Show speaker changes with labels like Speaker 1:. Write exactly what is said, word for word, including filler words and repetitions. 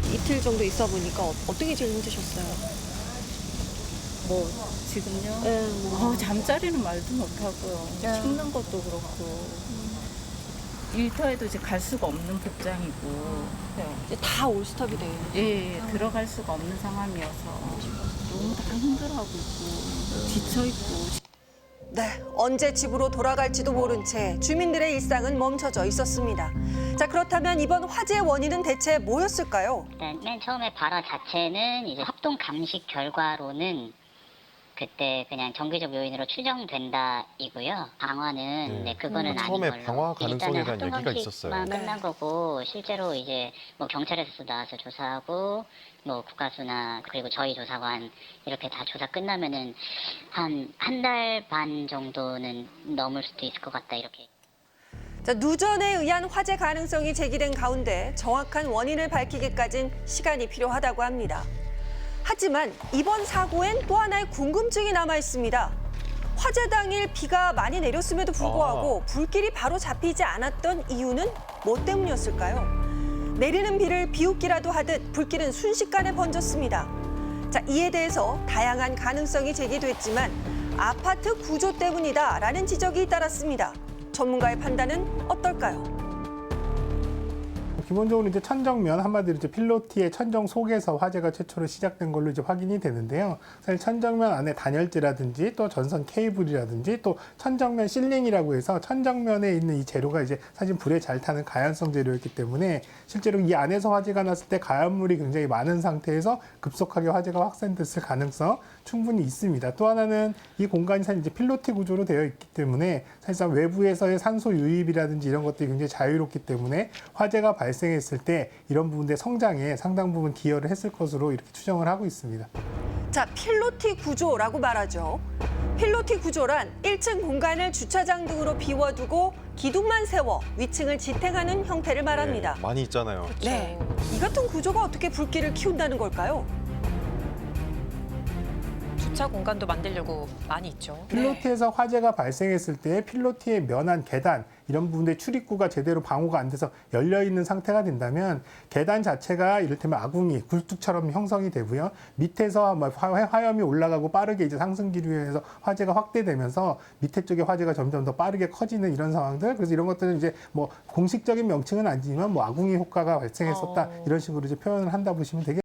Speaker 1: 이틀 정도 있어 보니까 어, 어떤 게 제일 힘드셨어요?
Speaker 2: 뭐 지금요?
Speaker 1: 네, 뭐.
Speaker 2: 어, 잠자리는 말도 못하고요.
Speaker 1: 네.
Speaker 2: 식는 것도 그렇고 일터에도 이제 갈 수가 없는 복장이고 네.
Speaker 1: 이제 다 올스톱이 돼요.
Speaker 2: 예, 들어갈 수가 없는 상황이어서 너무 다 힘들어하고 있고 지쳐 있고.
Speaker 3: 네, 언제 집으로 돌아갈지도 모른 채 주민들의 일상은 멈춰져 있었습니다. 자, 그렇다면 이번 화재의 원인은 대체 뭐였을까요?
Speaker 4: 일단 맨 처음에 발화 자체는 이제 합동 감식 결과로는 그때 그냥 정기적 요인으로 추정된다이고요. 방화는
Speaker 5: 네.
Speaker 4: 네, 그거는
Speaker 5: 음,
Speaker 4: 아닌
Speaker 5: 처음에
Speaker 4: 걸로.
Speaker 5: 방화 가능성에 대한
Speaker 4: 일단은
Speaker 5: 얘기가
Speaker 4: 합동
Speaker 5: 있었어요.
Speaker 4: 감식만
Speaker 3: 네.
Speaker 4: 끝난 거고 실제로 이제 뭐 경찰에서 나와서 조사하고 뭐 국가수나 그리고 저희 조사관 이렇게 다 조사 끝나면은 한 한 달 반 정도는 넘을 수도 있을 것 같다 이렇게.
Speaker 3: 자, 누전에 의한 화재 가능성이 제기된 가운데 정확한 원인을 밝히기까진 시간이 필요하다고 합니다. 하지만 이번 사고엔 또 하나의 궁금증이 남아 있습니다. 화재 당일 비가 많이 내렸음에도 불구하고 불길이 바로 잡히지 않았던 이유는 뭐 때문이었을까요? 내리는 비를 비웃기라도 하듯 불길은 순식간에 번졌습니다. 자, 이에 대해서 다양한 가능성이 제기됐지만 아파트 구조 때문이다라는 지적이 잇따랐습니다. 전문가의 판단은 어떨까요?
Speaker 6: 기본적으로 이제 천정면 한마디로 이제 필로티의 천정 속에서 화재가 최초로 시작된 걸로 이제 확인이 되는데요. 사실 천정면 안에 단열재라든지 또 전선 케이블이라든지 또 천정면 실링이라고 해서 천정면에 있는 이 재료가 이제 사실 불에 잘 타는 가연성 재료였기 때문에 실제로 이 안에서 화재가 났을 때 가연물이 굉장히 많은 상태에서 급속하게 화재가 확산됐을 가능성 충분히 있습니다. 또 하나는 이 공간이 사실 이제 필로티 구조로 되어 있기 때문에 사실상 외부에서의 산소 유입이라든지 이런 것들이 굉장히 자유롭기 때문에 화재가 발생했을 때 이런 부분의 성장에 상당 부분 기여를 했을 것으로 이렇게 추정을 하고 있습니다.
Speaker 3: 자, 필로티 구조라고 말하죠. 필로티 구조란 일 층 공간을 주차장 등으로 비워두고 기둥만 세워 위층을 지탱하는 형태를 말합니다.
Speaker 5: 네, 많이 있잖아요.
Speaker 3: 네, 이 같은 구조가 어떻게 불길을 키운다는 걸까요?
Speaker 7: 주차 공간도 만들려고 많이 있죠.
Speaker 6: 필로티에서 화재가 발생했을 때 필로티의 면한 계단 이런 부분의 출입구가 제대로 방호가 안 돼서 열려 있는 상태가 된다면 계단 자체가 이를테면 아궁이, 굴뚝처럼 형성이 되고요. 밑에서 화염이 올라가고 빠르게 이제 상승 기류에서 화재가 확대되면서 밑에 쪽에 화재가 점점 더 빠르게 커지는 이런 상황들. 그래서 이런 것들은 이제 뭐 공식적인 명칭은 아니지만 뭐 아궁이 효과가 발생했었다
Speaker 7: 어.
Speaker 6: 이런 식으로 이제 표현을 한다 보시면 되겠습니다.